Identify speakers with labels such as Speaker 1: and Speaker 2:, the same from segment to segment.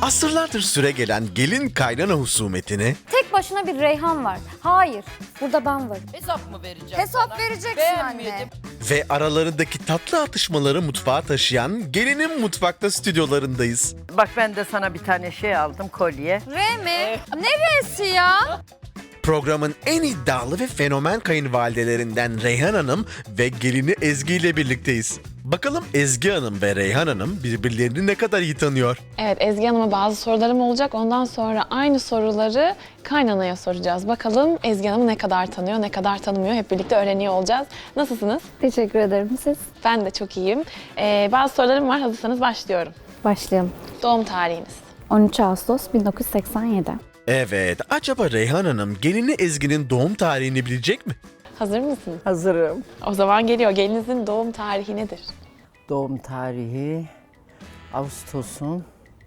Speaker 1: Asırlardır süregelen gelin kaynana husumetini
Speaker 2: Tek başına bir Reyhan var. Hayır, burada ben varım.
Speaker 3: Hesap mı vereceğim
Speaker 2: Hesap
Speaker 3: sana?
Speaker 2: vereceksin anne.
Speaker 3: Beğenmedim.
Speaker 1: ve aralarındaki tatlı atışmaları mutfağa taşıyan gelinin mutfakta stüdyolarındayız.
Speaker 4: Bak ben de sana bir tane şey aldım, kolye.
Speaker 2: R mi? Neresi ya?
Speaker 1: Programın en iddialı ve fenomen kayınvalidelerinden Reyhan Hanım ve gelini Ezgi ile birlikteyiz. Bakalım Ezgi Hanım ve Reyhan Hanım birbirlerini ne kadar iyi tanıyor?
Speaker 5: Evet, Ezgi Hanım'a bazı sorularım olacak. Ondan sonra aynı soruları kaynanaya soracağız. Bakalım Ezgi Hanım'ı ne kadar tanıyor, ne kadar tanımıyor. Hep birlikte öğreniyor olacağız. Nasılsınız?
Speaker 2: Teşekkür ederim siz.
Speaker 5: Ben de çok iyiyim. Bazı sorularım var. Hazırsanız başlıyorum.
Speaker 2: Başlayalım.
Speaker 5: Doğum tarihiniz.
Speaker 2: 13 Ağustos 1987.
Speaker 1: Evet, acaba Reyhan Hanım gelini Ezgi'nin doğum tarihini bilecek mi?
Speaker 5: Hazır mısınız?
Speaker 4: Hazırım.
Speaker 5: O zaman geliyor. Gelinizin doğum tarihi nedir?
Speaker 4: Doğum tarihi Ağustos'un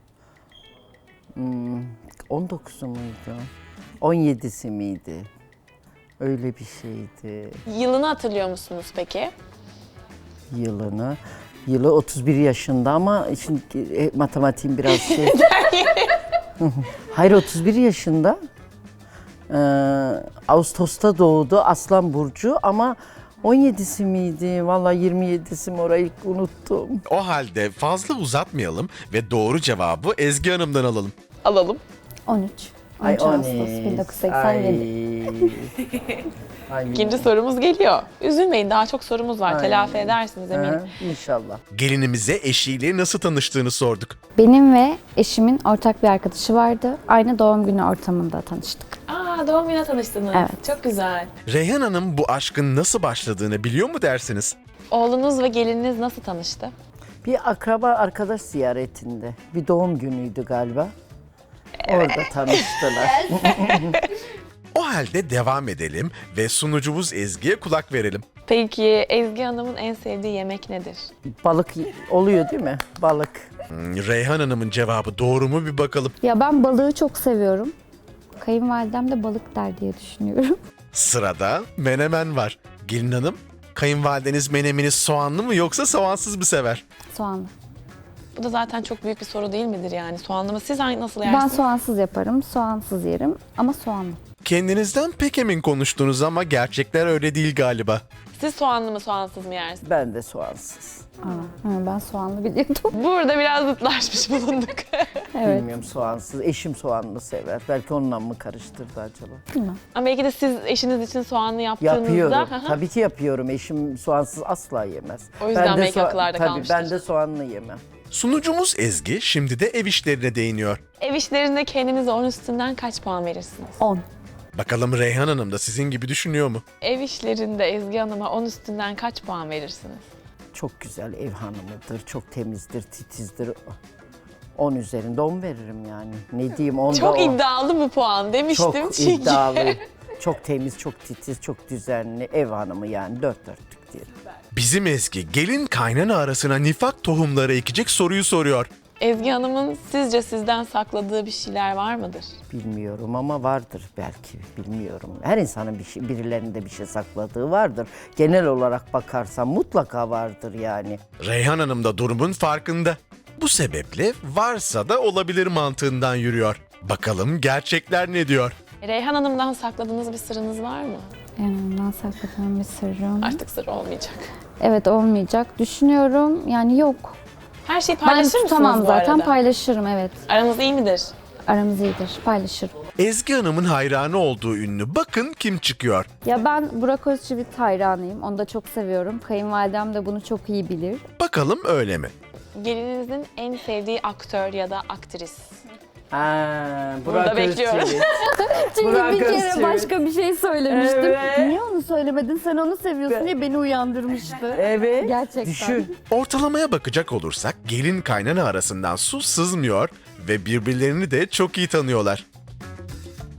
Speaker 4: 19'u muydu? 17'si miydi? Öyle bir şeydi.
Speaker 5: Yılını hatırlıyor musunuz peki?
Speaker 4: Yılını. Yılı 31 yaşında ama şimdi matematiğim biraz şey. Hayır 31 yaşında. Ağustos'ta doğdu Aslan Burcu ama 17'si miydi? Vallahi 27'si mi orayı unuttum.
Speaker 1: O halde fazla uzatmayalım ve doğru cevabı Ezgi Hanım'dan alalım.
Speaker 5: Alalım.
Speaker 2: 13. 13 Ağustos 1987.
Speaker 4: Ay.
Speaker 5: İkinci sorumuz geliyor. Üzülmeyin, daha çok sorumuz var.
Speaker 4: Ay.
Speaker 5: Telafi edersiniz eminim.
Speaker 4: Ha, İnşallah.
Speaker 1: Gelinimize eşiyle nasıl tanıştığını sorduk.
Speaker 2: Benim ve eşimin ortak bir arkadaşı vardı. Aynı doğum günü ortamında tanıştık.
Speaker 5: Aa, doğum gününe tanıştınız.
Speaker 2: Evet.
Speaker 5: Çok güzel.
Speaker 1: Reyhan Hanım bu aşkın nasıl başladığını biliyor mu dersiniz?
Speaker 5: Oğlunuz ve gelininiz nasıl tanıştı?
Speaker 4: Bir akraba arkadaş ziyaretinde. Bir doğum günüydü galiba. Orada tanıştılar.
Speaker 1: O halde devam edelim ve sunucumuz Ezgi'ye kulak verelim.
Speaker 5: Peki Ezgi Hanım'ın en sevdiği yemek nedir?
Speaker 4: Balık oluyor değil mi? Balık.
Speaker 1: Reyhan Hanım'ın cevabı doğru mu bir bakalım.
Speaker 2: Ya ben balığı çok seviyorum. Kayınvalidem de balık der diye düşünüyorum.
Speaker 1: Sırada menemen var. Gelin Hanım, kayınvalideniz menemini soğanlı mı yoksa soğansız mı sever?
Speaker 2: Soğanlı.
Speaker 5: Bu da zaten çok büyük bir soru değil midir yani? Soğanlı mı? Siz nasıl
Speaker 2: Ben
Speaker 5: yersiniz?
Speaker 2: soğansız yaparım, soğansız yerim ama soğanlı.
Speaker 1: Kendinizden pek emin konuştunuz ama gerçekler öyle değil galiba.
Speaker 5: Siz soğanlı mı soğansız mı yersiniz?
Speaker 4: Ben de soğansız.
Speaker 2: Ben soğanlı biliyordum.
Speaker 5: Burada biraz zıtlaşmış bulunduk.
Speaker 2: Evet.
Speaker 4: Bilmiyorum soğansız. Eşim soğanlı sever. Belki onunla mı karıştırdı acaba?
Speaker 5: Ama belki de siz eşiniz için soğanlı yaptığınızda...
Speaker 4: Yapıyorum.
Speaker 5: Hı hı.
Speaker 4: Tabii ki yapıyorum. Eşim soğansız asla yemez.
Speaker 5: O yüzden belki
Speaker 4: soğa-
Speaker 5: akıllarda
Speaker 4: tabii,
Speaker 5: kalmıştır.
Speaker 4: ben de soğanlı yemem.
Speaker 1: Sunucumuz Ezgi şimdi de ev işlerine değiniyor.
Speaker 5: Ev işlerinde kendinize 10 üstünden kaç puan verirsiniz?
Speaker 2: 10.
Speaker 1: Bakalım Reyhan Hanım da sizin gibi düşünüyor mu?
Speaker 5: Ev işlerinde Ezgi Hanım'a 10 üstünden kaç puan verirsiniz?
Speaker 4: Çok güzel ev hanımıdır. Çok temizdir, titizdir. 10 üzerinde 10 veririm yani. Ne diyeyim 10'da
Speaker 5: Çok
Speaker 4: 10.
Speaker 5: iddialı bu puan demiştim
Speaker 4: Çok
Speaker 5: çünkü.
Speaker 4: iddialı. Çok temiz, çok titiz, çok düzenli. Ev hanımı yani dört dörtlük diyelim.
Speaker 1: Bizim Ezgi gelin kaynana arasına nifak tohumları ekecek soruyu soruyor.
Speaker 5: Ezgi Hanım'ın sizce sizden sakladığı bir şeyler var mıdır?
Speaker 4: Bilmiyorum ama vardır belki. Bilmiyorum. Her insanın birilerinde bir şey sakladığı vardır. Genel olarak bakarsan mutlaka vardır yani.
Speaker 1: Reyhan Hanım da durumun farkında. Bu sebeple varsa da olabilir mantığından yürüyor. Bakalım gerçekler ne diyor?
Speaker 5: Reyhan Hanım'dan sakladığınız bir sırrınız var mı?
Speaker 2: Ondan sakladığım bir sırrım.
Speaker 5: Artık sır olmayacak.
Speaker 2: Evet olmayacak. Düşünüyorum yani yok.
Speaker 5: Her şeyi
Speaker 2: Ben
Speaker 5: paylaşır mısınız
Speaker 2: tutamam
Speaker 5: bu
Speaker 2: zaten
Speaker 5: arada?
Speaker 2: paylaşırım evet.
Speaker 5: Aranız iyi midir?
Speaker 2: Aramız iyidir paylaşırım.
Speaker 1: Ezgi Hanım'ın hayranı olduğu ünlü bakın kim çıkıyor.
Speaker 2: Ya ben Burak Özçivit hayranıyım. Onu da çok seviyorum. Kayınvalidem de bunu çok iyi bilir.
Speaker 1: Bakalım öyle mi?
Speaker 5: Gelininizin en sevdiği aktör ya da aktris.
Speaker 4: Burak
Speaker 5: bekliyorum.
Speaker 4: Özçivit.
Speaker 2: Çünkü
Speaker 4: Burak
Speaker 2: bir kere
Speaker 4: Özçivit.
Speaker 2: başka bir şey söylemiştim.
Speaker 4: Evet.
Speaker 2: Niye onu söylemedin? Sen onu seviyorsun diye beni uyandırmıştı.
Speaker 4: Evet.
Speaker 2: Gerçekten.
Speaker 4: Düşün.
Speaker 1: Ortalamaya bakacak olursak gelin kaynana arasından su sızmıyor ve birbirlerini de çok iyi tanıyorlar.